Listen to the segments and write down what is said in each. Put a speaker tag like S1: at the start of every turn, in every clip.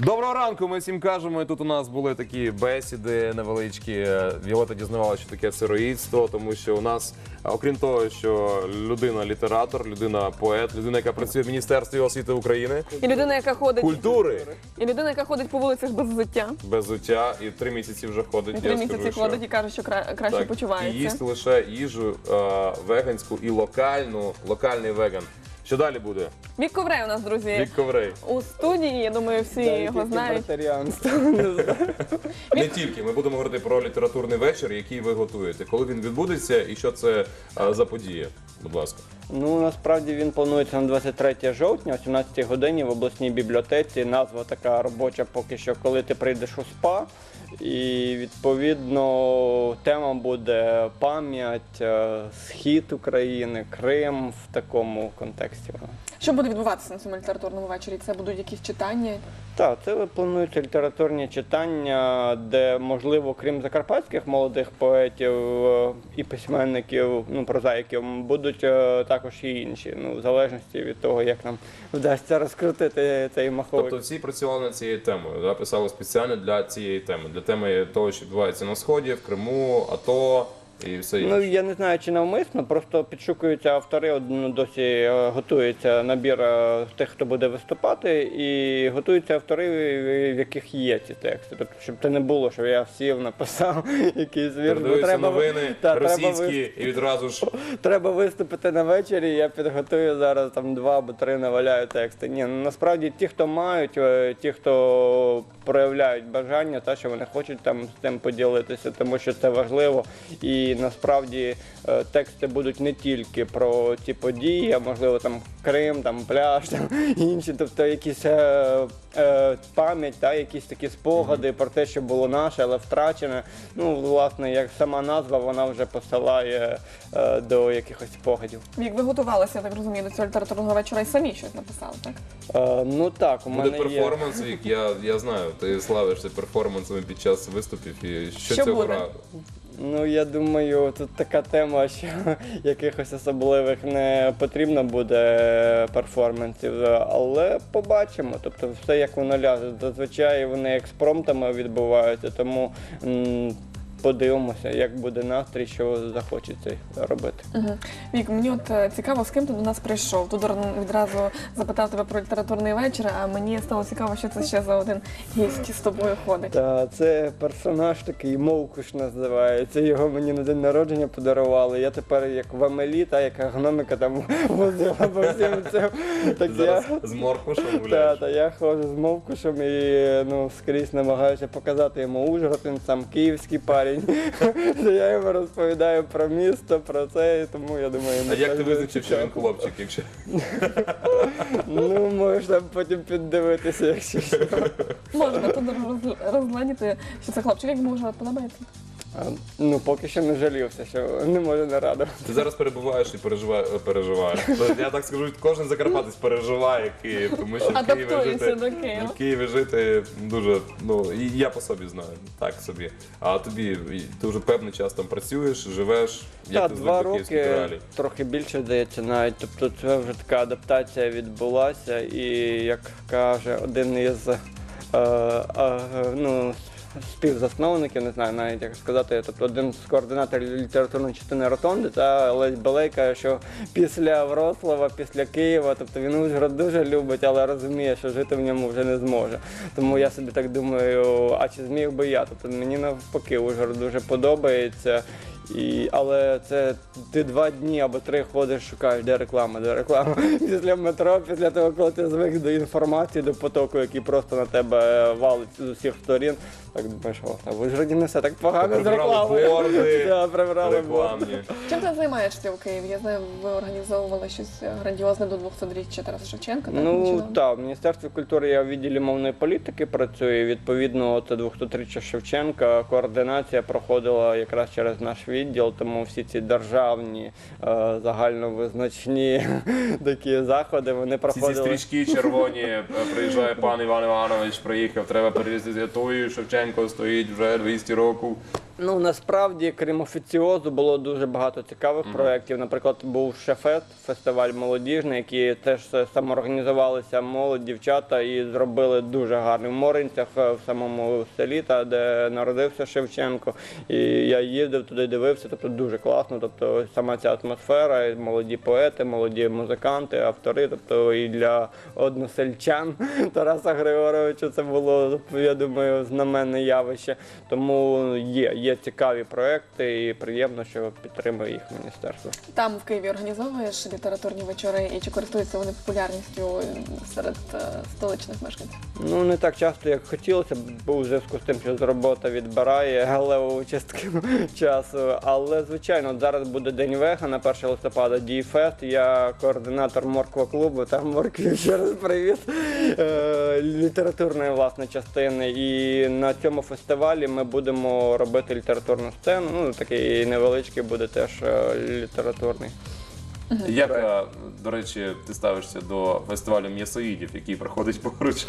S1: Доброго ранку, ми всім кажемо. І тут у нас були такі бесіди невеличкі. Віолетта дізнавалася, що таке сироїдство, тому що у нас, окрім того, що людина-літератор, людина-поет, людина, яка працює в Міністерстві освіти України,
S2: І людина, яка ходить
S1: культури,
S2: і людина, яка ходить по вулицях без взуття.
S1: без взуття, і 3 місяці вже ходить.
S2: І 3 місяці ходить і каже, що краще
S1: так,
S2: почувається.
S1: і їсть лише їжу веганську і локальний веган. Що далі буде?
S2: Вік Коврей у нас, друзі,
S1: Вік Коврей.
S2: у студії, я думаю, всі його знають.
S1: Не тільки. Ми будемо говорити про літературний вечір, який ви готуєте. Коли він відбудеться і що це за подія? Будь ласка.
S3: Ну, насправді він планується на 23 жовтня, о 17 годині в обласній бібліотеці. Назва така робоча поки що, коли ти прийдеш у СПА. І, відповідно, тема буде пам'ять, схід України, Крим в такому контексті.
S2: Що буде відбуватися на цьому літературному вечорі? Це будуть якісь читання?
S3: Так, це плануються літературні читання, де, можливо, крім закарпатських молодих поетів і письменників, ну, прозаїків, будуть також і інші, ну, в залежності від того, як нам вдасться розкрутити цей маховик.
S1: Тобто всі працювали над цією темою, да? Писали спеціально для цієї теми, для теми того, що відбувається на Сході, в Криму, АТО і все інше.
S3: Ну, я не знаю, чи навмисно, просто підшукуються автори, досі готується набір тих, хто буде виступати, і готуються автори, в яких є ці тексти. Тобто, щоб це не було, що я сів, написав якийсь вірш.
S1: Передаються новини російські і відразу ж...
S3: Треба виступити на вечорі, я підготую зараз там 2 або 3 наваляю тексти. Ні, ну, насправді ті, хто мають, ті, хто проявляють бажання, та, що вони хочуть там з тим поділитися, тому що це важливо. І насправді тексти будуть не тільки про ті події, а можливо там Крим, там пляж, там інші, тобто якісь пам'ять, та, якісь такі спогади про те, що було наше, але втрачене. Ну, власне, як сама назва, вона вже посилає до якихось спогадів.
S2: Вік, ви готувалися, я так розумію, до цього літературного вечора і самі щось написали, так?
S3: Ну так, у
S1: Буде
S3: мене є.
S1: перформанс, Вік, я знаю, ти славишся перформансами під час виступів. І що
S2: Що
S1: цього
S2: буде?
S1: разу?
S3: Ну, я думаю, тут така тема, що якихось особливих не потрібно буде перформансів, але побачимо. Тобто все як воно ляже. Зазвичай вони експромтами відбуваються, тому подивимося, як буде настрій, що захочеться робити.
S2: Угу. Вік, мені от цікаво, з ким ти до нас прийшов. Тудор відразу запитав тебе про літературний вечір, а мені стало цікаво, що це ще за один гість з тобою ходить.
S3: Та це персонаж такий, Мовкуш називається. Його мені на день народження подарували. Я тепер як в Амелі, та яка гномика там возила по всім цим. Так
S1: Зараз з Моркушем
S3: Та,
S1: гуляєш.
S3: я ходжу з Мовкушем і скрізь намагаюся показати йому Ужгород, він сам київський парень. Я йому розповідаю про місто, про це, і тому я думаю...
S1: А як ти визначив, що він хлопчик, якщо...
S3: Ну, можна потім піддивитися, якщо що.
S2: Можна Тудор розгледіти, що це хлопчик, як йому вже подобається.
S3: Ну, поки що не жалівся, що не може не радувати.
S1: Ти зараз перебуваєш і переживаєш. Я так скажу, кожен закарпатець переживає Київ, тому що
S2: Адаптується до Києва.
S1: в Києві жити дуже, ну, і я по собі знаю, так собі. А тобі, ти вже певний час там працюєш, живеш, як
S3: Так,
S1: ти
S3: 2
S1: звик до київських
S3: роки,
S1: реалій?
S3: трохи більше, здається, навіть. Тобто це вже така адаптація відбулася, і, як каже один із співзасновників, не знаю навіть як сказати, тобто один з координаторів літературної частини Ротонди, та Лесь Балей каже, що після Вроцлава, після Києва, тобто він Ужгород дуже любить, але розуміє, що жити в ньому вже не зможе. Тому я собі так думаю, а чи зміг би я? Тобто мені навпаки Ужгород дуже подобається. Але це ти 2 дні або 3 ходиш, шукаєш, де реклама, де реклама. Після метро, після того, коли ти звик до інформації, до потоку, який просто на тебе валить з усіх сторін. Так думаєш, а в Ужгороді не все так погано з рекламою.
S1: Борди,
S3: Да, прибрали
S1: рекламні.
S2: Чим ти займаєшся у Києві? Я знаю, ви організовували щось грандіозне до 200-річчя Тараса Шевченка. Так,
S3: Ну
S2: нещодавно?
S3: так, в Міністерстві культури я в відділі мовної політики працюю. Відповідно, це 200-річчя Шевченка. Координація проходила якраз через наш відділ, тому всі ці державні, загальновизначні такі заходи, вони
S1: Всі ці
S3: проходили.
S1: стрічки червоні, приїжджає пан Іван Іванович, приїхав, треба перевезти Святою, Шевченко стоїть вже 200 років.
S3: Ну, насправді, крім офіціозу, було дуже багато цікавих проєктів. Наприклад, був Шефест, фестиваль молодіжний, який теж самоорганізувалися молодь, дівчата і зробили дуже гарний в Моринцях, в самому селі, та, де народився Шевченко. І я їздив туди, дивився, тобто дуже класно. Тобто сама ця атмосфера, і молоді поети, молоді музиканти, автори, тобто і для односельчан Тараса Григоровича це було, я думаю, знаменне явище. Тому є цікаві проекти і приємно, що підтримує їх міністерство.
S2: Там в Києві організовуєш літературні вечори, і чи користуються вони популярністю серед столичних мешканців?
S3: Ну, не так часто, як хотілося, бо у зв'язку з тим, що робота відбирає галеву частку часу. Але, звичайно, от зараз буде День вегана, 1 листопада, Діфест. Я координатор Морква-клубу, там Моркві, ще раз привіт, літературної, власне, частини. І на цьому фестивалі ми будемо робити літературну сцену, ну, такий невеличкий буде теж літературний.
S1: Як, до речі, ти ставишся до фестивалю м'ясоїдів, який проходить поруч?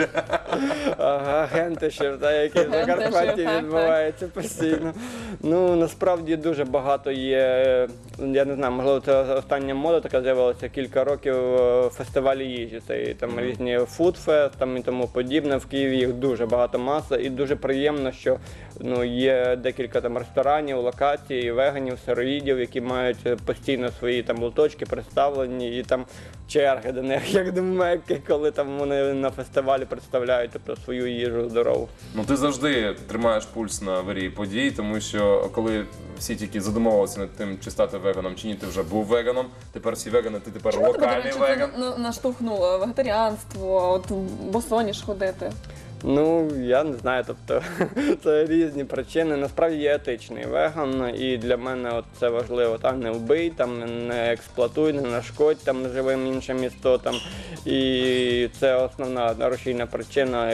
S3: Агенти ще, які в Закарпатті відбуваються постійно. Ну, насправді дуже багато є, я не знаю, можливо, це остання мода така з'явилася кілька років, фестивалі їжі. Це там різні фудфест там і тому подібне. В Києві їх дуже багато, маса, і дуже приємно, що є декілька там ресторанів, локацій, веганів, сироїдів, які мають постійно свої там лоточки представлені, і там черги до них, як до Мекки, коли там вони на фестивалі представляють, тобто, свою їжу здорову.
S1: Ну ти завжди тримаєш пульс на вирії подій, тому що коли всі тільки задумувалися над тим, чи стати веганом, чи ні, ти вже був веганом, тепер всі вегани, ти тепер
S2: Чому тебе, до
S1: локальний
S2: речі,
S1: веган.
S2: це веганство, вегетаріанство, от босоніж ходити?
S3: Ну, я не знаю, тобто це різні причини. Насправді я етичний веган, і для мене от це важливо. Там не вбий, там не експлуатуй, не нашкодь там живим іншим істотам. І це основна рушійна причина,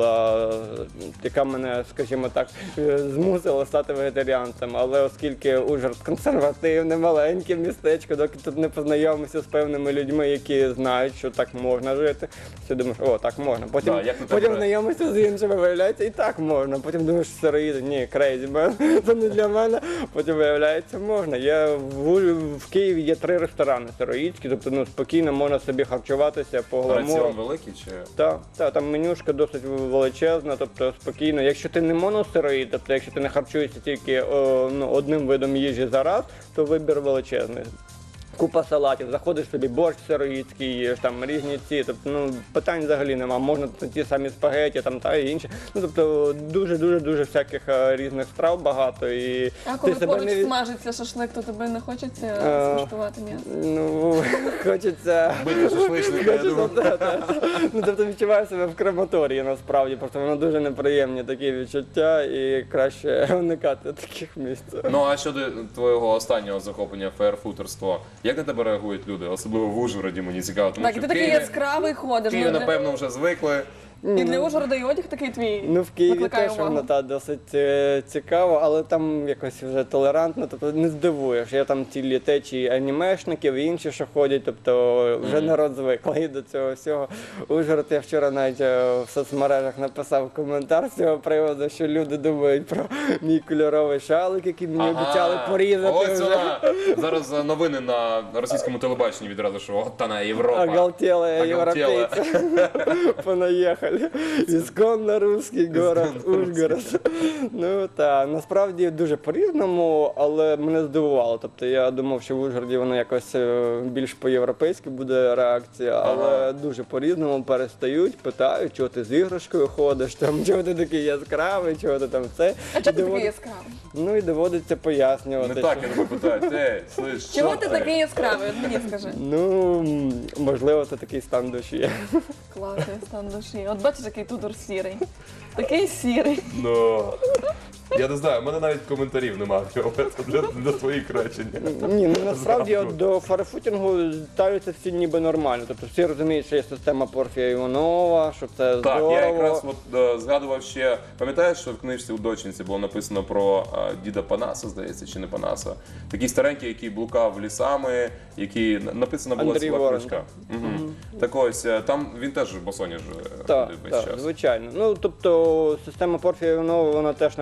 S3: яка мене, скажімо так, змусила стати вегетаріанцем. Але оскільки Ужгород консервативне, маленьке містечко, доки тут не познайомився з певними людьми, які знають, що так можна жити, ти думаєш, о, так можна. Потім знайомишся з іншими, виявляється, і так можна. Потім думаєш, сироїди, ні, крейзі, це не для мене. Потім виявляється, можна. В Києві є 3 ресторани сироїдські, тобто спокійно можна собі харчуватися по гламуру.
S1: Раціон великий чи?
S3: Так, там менюшка досить величезна, тобто спокійно. Якщо ти не моносироїд, тобто якщо ти не харчуєшся тільки одним видом їжі за раз, то вибір величезний. Купа салатів, заходиш собі, борщ сироїдський їш, там різні ці, тобто, питань взагалі нема, можна ті самі спагеті там та і інші. Тобто дуже всяких різних страв багато. І
S2: а коли поруч смажиться шашлик, то тебе не хочеться скуштувати м'ясо?
S3: Ну, хочеться...
S1: Бити шашличника, я думаю.
S3: Тобто відчуваю себе в крематорії насправді, просто воно дуже неприємні такі відчуття і краще уникати таких місць.
S1: Ну а щодо твого останнього захоплення фаєрфутерство, як на тебе реагують люди, особливо в Ужгороді, мені цікаво, тому
S2: Так,
S1: що
S2: і ти такий яскравий ходиш.
S1: Києві, напевно, вже звикли.
S2: І для Ужгорода і одяг такий твій
S3: в Києві
S2: викликає
S3: теж
S2: увагу.
S3: воно досить цікаво, але там якось вже толерантно, тобто не здивуєш. Є там цілі течії анімешників і інші, що ходять, тобто вже народ звиклий до цього всього. Ужгород, я вчора навіть в соцмережах написав коментар з цього приводу, що люди думають про мій кольоровий шалик, який мені обіцяли порізати.
S1: Ось вона. Зараз новини на російському телебаченні відразу, що от вона Європа.
S3: Оголтелые европейцы понаехали. Ісконно русський город Ужгород. Ну так, насправді дуже по-різному, але мене здивувало. Тобто я думав, що в Ужгороді воно якось більш по-європейськи буде реакція, але дуже по-різному перестають, питають, чого ти з іграшкою ходиш, там, чого ти такий яскравий, чого ти там це.
S2: А чого ти такий яскравий?
S3: Ну і доводиться пояснювати.
S1: Не так, я тебе питають, слиш,
S2: чого
S1: що
S2: ти такий яскравий? От мені скажи.
S3: Ну, можливо, це такий стан душі.
S2: Класний стан душі. От бачиш, який Тудор сірий. Такий сірий.
S1: Ну, я не знаю, в мене навіть коментарів немає для твоїх речень.
S3: Ні, ну насправді от до фарфутінгу ставляться всі ніби нормально. Тобто всі розуміють, що є система Порфія Іванова, що це здорово.
S1: Так, я якраз згадував ще, пам'ятаєш, що в книжці у дочинці було написано про діда Панаса, здається, чи не Панаса? Такий старенький, який блукав лісами, який написана була
S3: Андрій
S1: ціла
S3: Ворон.
S1: книжка. Так ось, там він теж босоніж
S3: Так,
S1: ходив весь час.
S3: звичайно. Ну, тобто система Порфія Іванова, вона теж на цьому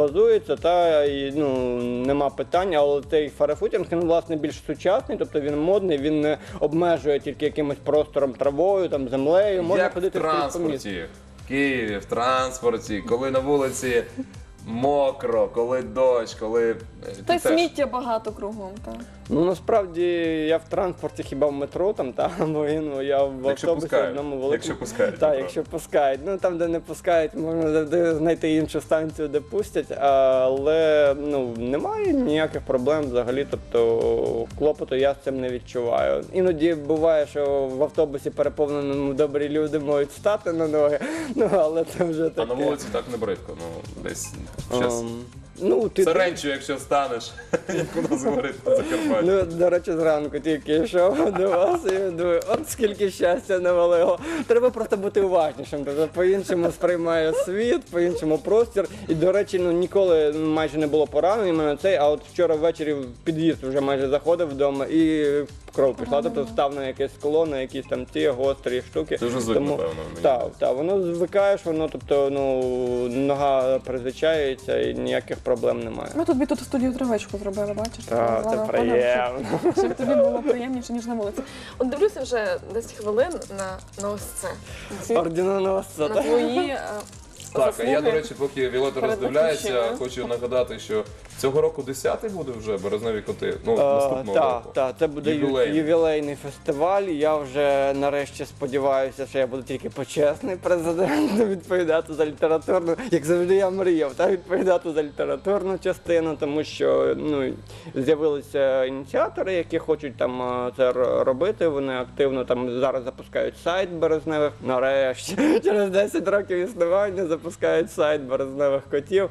S3: базується, та і нема питань, але цей фарфутінг, він власне більш сучасний, тобто він модний, він не обмежує тільки якимось простором, травою, там, землею, можна
S1: Як в
S3: ходити скрізь по місту.
S1: транспорті, в Києві, в транспорті, коли на вулиці мокро, коли дощ, коли...
S2: Та й
S1: теж-
S2: сміття багато кругом. Так.
S3: Ну насправді я в транспорті хіба в метро там, бо я в
S1: Якщо
S3: автобусі
S1: пускають.
S3: одному великому.
S1: Якщо пускають,
S3: Так,
S1: направду.
S3: якщо пускають. Ну там, де не пускають, можна завжди знайти іншу станцію, де пустять, але немає ніяких проблем взагалі. Тобто клопоту я з цим не відчуваю. Іноді буває, що в автобусі переповненому добрі люди можуть стати на ноги, але це вже
S1: А
S3: таке.
S1: на вулиці так не бридко, десь щас.
S3: Ти
S1: Саренчу, якщо станеш, як у нас говорить на Закарпатті.
S3: До речі, зранку тільки йшов до вас і думаю, от скільки щастя навалило. Треба просто бути уважнішим, тобто по-іншому сприймає світ, по-іншому простір. І, до речі, ніколи майже не було поранень іменно цей, а от вчора ввечері в під'їзд вже майже заходив вдома і кров пішла, тобто став на якесь скло, на якісь там ті гострі штуки.
S1: Це вже звик, напевно, мені.
S3: Так, воно звикаєш, тобто, нога призвичається і ніяких проблем немає.
S2: Ми тобі тут в студію травичку зробили, бачиш?
S3: Так, це
S2: Назвала
S3: приємно.
S2: щоб тобі було приємніше, ніж на вулиці. От дивлюся вже 10 хвилин на ось це.
S3: Орденоносця,
S2: На
S3: так?
S2: твої
S1: Так, а я, до
S2: заслуги.
S1: речі, поки Віолетта
S2: перед
S1: роздивляється,
S2: батьківщиною.
S1: хочу нагадати, що цього року 10-й буде вже «Березневі коти», наступного року.
S3: Так, це буде
S1: Ювілейний.
S3: ювілейний фестиваль. Я вже нарешті сподіваюся, що я буду тільки почесний президент відповідати за літературну, як завжди я мріяв, відповідати за літературну частину, тому що з'явилися ініціатори, які хочуть там це робити. Вони активно там зараз запускають сайт Березневих. Нарешті, через 10 років існування запускають сайт Березневих котів.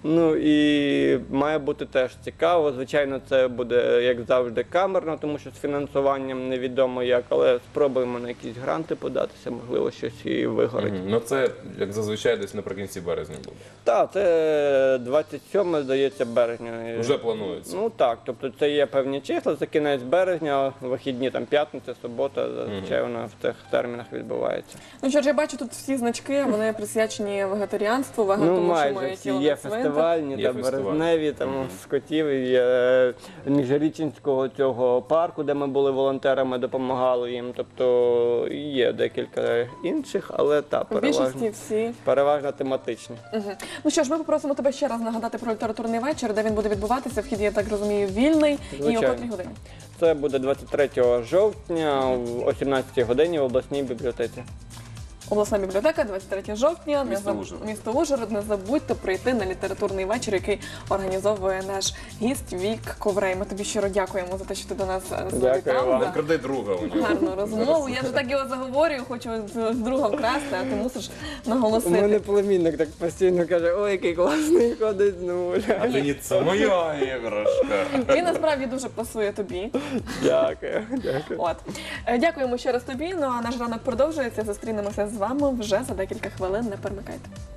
S3: І має бути теж цікаво. Звичайно, це буде, як завжди, камерно, тому що з фінансуванням невідомо як, але спробуємо на якісь гранти податися, можливо, щось і вигорить.
S1: Ну це, як зазвичай, десь наприкінці березня буде.
S3: Так, це 27, здається, березня.
S1: Вже планується.
S3: Ну так, тобто це є певні числа, це кінець березня, вихідні, там п'ятниця, субота, зазвичай вона в тих термінах відбувається.
S2: Ну що ж, я бачу тут всі значки, вони присвячені вегетаріанству, тому що
S3: Майже
S2: моє
S3: всі
S2: тіло
S3: є
S2: не цвинтар.
S3: фестивальні,
S1: Є
S3: та
S1: фестиваль.
S3: березневі, там з котів, і є Міжрічинського цього парку, де ми були волонтерами, допомагали їм. Тобто є декілька інших, але
S2: В більшості всі.
S3: переважно тематичні.
S2: Ну що ж, ми попросимо тебе ще раз нагадати про літературний вечір, де він буде відбуватися. Вхід, я так розумію, вільний. І о
S3: Звичайно.
S2: котрій годині.
S3: Це буде 23 жовтня о 17 годині в обласній бібліотеці.
S2: Обласна бібліотека, 23 жовтня, місто Ужгород. Не забудьте прийти на літературний вечір, який організовує наш гість Вік Коврей. Ми тобі щиро дякуємо за те, що ти до нас завітав.
S3: вам.
S2: за
S1: Кради друга у нього.
S2: гарну розмову. Я вже так його заговорюю, хочу з друга вкрасти, а ти мусиш
S3: У мене
S2: наголосити.
S3: племінник так постійно каже, ой, який класний ходить з нуля.
S1: А ти ні, це моя іграшка.
S2: Він насправді дуже пасує тобі.
S3: Дякую.
S2: От. Дякуємо ще раз тобі. Ну а наш ранок продовжується. Зустрінемося з вами вже за декілька хвилин. Не перемикайте.